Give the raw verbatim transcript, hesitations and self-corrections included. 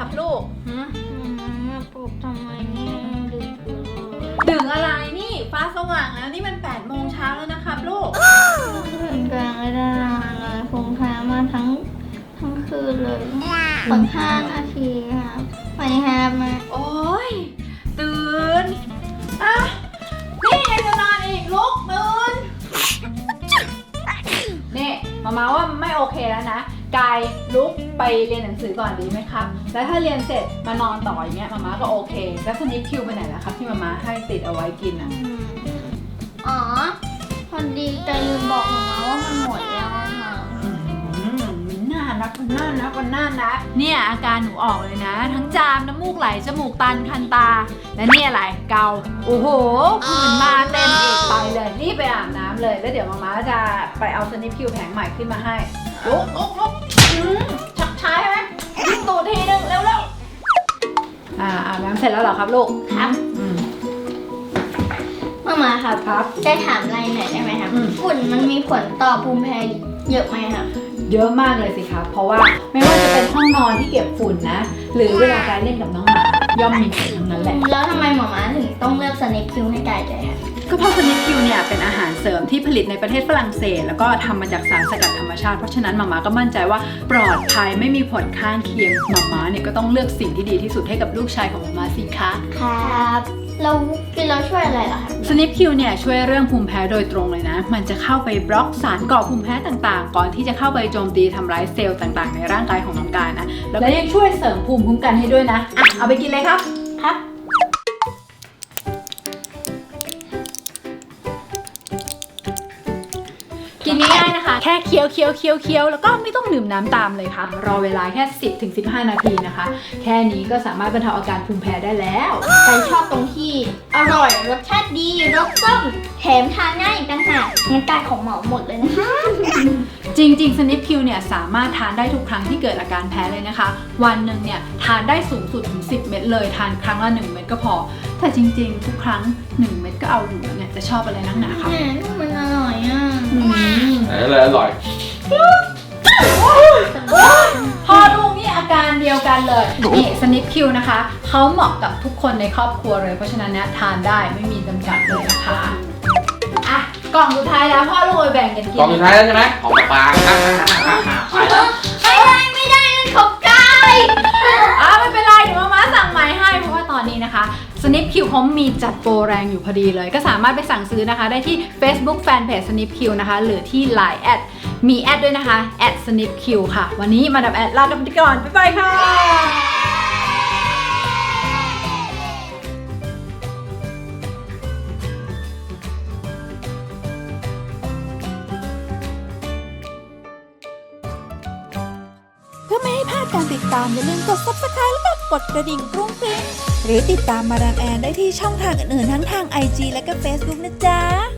ครับลูกหืมมาปลุกทำไมเนี่ยดึกอยู่เลยดึกอะไรนี่ฟ้าสว่างแล้วนี่มันแปดโมงเช้าแล้วนะครับลูกคืนกลางไม่ได้นอนเลยคงแพ้มาทั้งทั้งคืนเลยผลห้านาทีครับไปแฮมมาโอ้ยตื่นอ่ะนี่ยังจะนอนอีกลุกตื่นนี่มามาว่าไม่โอเคแล้วนะกายลุกไปเรียนหนังสือก่อนดีไหมครับแล้วถ้าเรียนเสร็จมานอนต่ออย่างเงี้ยมามาก็โอเคแล้วสนิปคิวไปไหนล่ะครับที่มามาให้ติดเอาไว้กินอ่ะอ๋อพอดีแต่ลืมบอกหมาว่ามันหมดแล้วอะค่ะอืมมันน่ารักมันน่ารักมันน่ารักเนี่ยอาการหนูออกเลยนะ ทั้งจามน้ำมูกไหลจมูกตันคันตาและนี่อะไรเกาโอ้โหผื่นมาเต็มอีกไปเลยรีบไปอาบน้ำเลยแล้วเดี๋ยวมาม่าจะไปเอาสนิปคิวแผงใหม่ขึ้นมาให้ลุกลุกลุกอืมชักช้าใช่ไหมยิงตูดทีนึงเร็วเร็วอ่าอาบน้ำเสร็จแล้วเหรอครับลูกครับอืมมามาครับครับได้ถามอะไรหน่อยได้ไหมครับอืมฝุ่นมันมีผลต่อภูมิแพ้เยอะไหมครับเยอะมากเลยสิครับเพราะว่าไม่ว่าจะเป็นห้องนอนที่เก็บฝุ่นนะหรือเวลาการเล่นกับน้องหมาย่อมมีผลทั้งนั้นแหละแล้วทำไมหมอมาถึงต้องเลือกสเนปคิวให้กายด้วยคะก็เพราะสนิปคิวเนี่ยเป็นอาหารเสริมที่ผลิตในประเทศฝรั่งเศสแล้วก็ทำมาจากสารสกัดธรรมชาติเพราะฉะนั้นมาม่าก็มั่นใจว่าปลอดภัยไม่มีผลข้างเคียงมาม่าเนี่ยก็ต้องเลือกสิ่งที่ดีที่สุดให้กับลูกชายของมาม่าสิคะครับเรากินเราช่วยอะไรเหรอครับสนิปคิวเนี่ยช่วยเรื่องภูมิแพ้โดยตรงเลยนะมันจะเข้าไปบล็อกสารก่อภูมิแพ้ต่างๆ ก่อนที่จะเข้าไปโจมตีทำร้ายเซลล์ต่างๆ ในร่างกายของน้องกายนะแล้วก็ยังช่วยเสริมภูมิคุ้มกันให้ด้วยนะอ่ะเอาไปกินเลยครับครับกินง่ายๆนะคะ แค่เคี้ยวเคี้ยวเคี้ยวเคี้ยวแล้วก็ไม่ต้องดื่มน้ำตามเลยค่ะ รอเวลาแค่ สิบถึงสิบห้า นาทีนะคะ แค่นี้ก็สามารถบรรเทาอาการภูมิแพ้ได้แล้วกายชอบตรงที่อร่อยรสชาติดีรสส้มแถมทานง่ายอีกต่างหากงั้นกายของเหมาหมดเลยนะคะจริงๆสนิปคิวเนี่ยสามารถทานได้ทุกครั้งที่เกิดอาการแพ้เลยนะคะ วันหนึ่งเนี่ยทานได้สูงสุดถึงสิบเม็ดเลยทานครั้งละหนึ่งเม็ดก็พอ แต่จริงๆ ทุกครั้งหนึ่งเม็ดก็เอาอยู่แล้วเนี่ยจะชอบอะไรนักหนาคะแหมมันอร่อยอ่ะอืมอะไรอร่อยพ่อลูกนี่อาการเดียวกันเลยนี่สนิปคิวนะคะเขาเหมาะกับทุกคนในครอบครัวเลยเพราะฉะนั้นเนี่ยทานได้ไม่มีจำกัดเลยนะคะอ่ะกล่องสุดท้ายแล้วพ่อลูกไปแบ่งกันกินกล่องสุดท้ายแล้วใช่ไหมของปลาๆไปแล้วไม่ได้ไม่ได้นั่นของกายอ่ะไม่เป็นไรเดี๋ยวมาม่าสั่งใหม่ให้เพราะว่าตอนนี้นะคะสนิปคิวเขามีจัดโปรแรงอยู่พอดีเลยก็สามารถไปสั่งซื้อนะคะได้ที่ Facebook Fanpage สนิปคิวนะคะหรือที่ ไลน์ แอดมีแอดด้วยนะคะแอดสนิปคิวค่ะวันนี้มาดับแอดลากันไปก่อนบ๊ายบายค่ะเพื่อไม่ให้พลาดการติดตามอย่าลืมกด ซับสไครบ์ แล้วก็กดกระดิ่งกรุ้งกริ้งหรือติดตามมาดามแอนได้ที่ช่องทางอื่นๆทั้งทาง ไอ จี และก็ เฟซบุ๊ก นะจ๊ะ